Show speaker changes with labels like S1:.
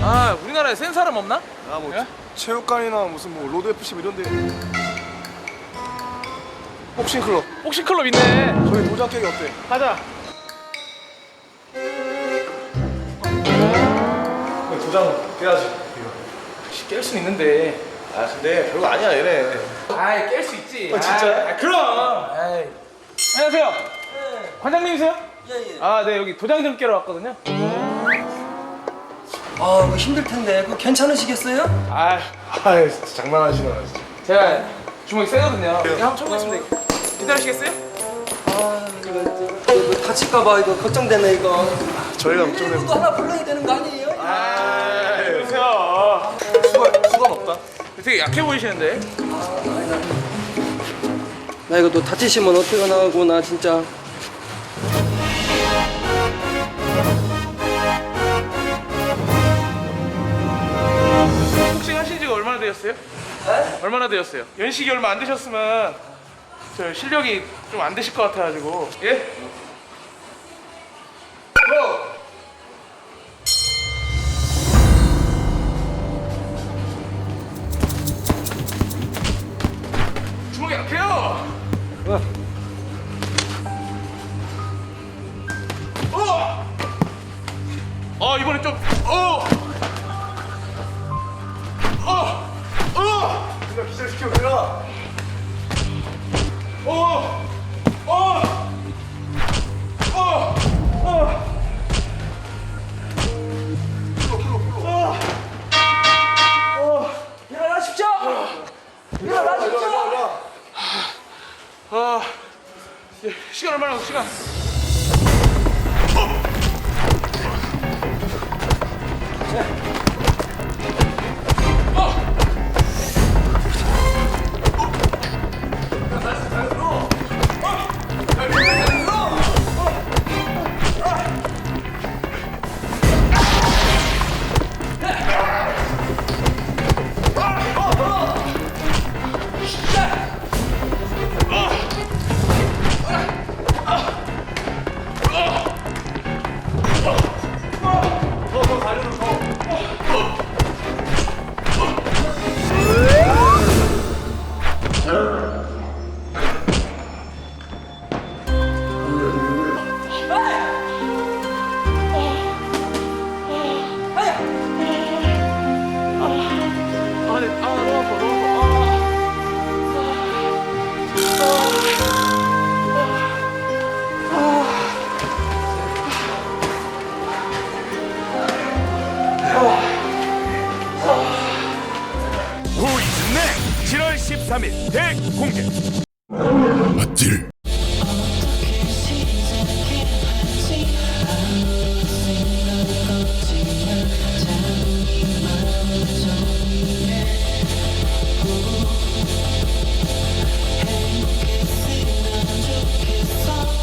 S1: 아, 우리나라에 센 사람 없나?
S2: 아, 뭐
S1: 예?
S2: 체육관이나 무슨 뭐 로드 FC 이런데. 복싱 클럽.
S1: 복싱클럽 있네.
S2: 저희 도장 깨기 어때?
S1: 가자.
S2: 도장 깨야지.
S1: 깰 수 있는데.
S2: 아, 근데 별거 아니야 얘네.
S1: 아이, 깰 수 있지.
S2: 진짜?
S1: 아, 그럼. 아이. 안녕하세요. 관장님이세요?
S3: 예.
S1: 아, 네, 여기 도장 좀 깨러 왔거든요.
S3: 아, 이거 힘들 텐데. 그거 괜찮으시겠어요?
S1: 아,
S2: 진짜 장난하시나 진짜.
S1: 제가 주먹이 세거든요. 네, 한번 쳐보겠습니다. 기다리시겠어요?
S3: 아, 이거 다칠까봐 이거 걱정되네 이거.
S2: 저희가 걱정돼.
S3: 이거 하나 불러야 되는 거 아니에요?
S1: 아, 이러세요.
S2: 수건 없다.
S1: 되게 약해 보이시는데?
S3: 나 이거 또 다치시면 어떡하나고 나 진짜.
S1: 복싱 하신 지가 얼마나 되셨어요?
S3: 네?
S1: 얼마나 되셨어요? 연식이 얼마 안 되셨으면 저 실력이 좀 안 되실 것 같아가지고. 예? 주먹이 약해요. 이번에 좀.
S2: 우리가 기절시켜 우리가.
S3: 일어나십시오. 일어나십시오.
S1: 시간 얼마나 남았어, 시간? 너무 아파, 너무 아파.
S4: 보이즈넥 7월 13일 대공개.
S5: 맞질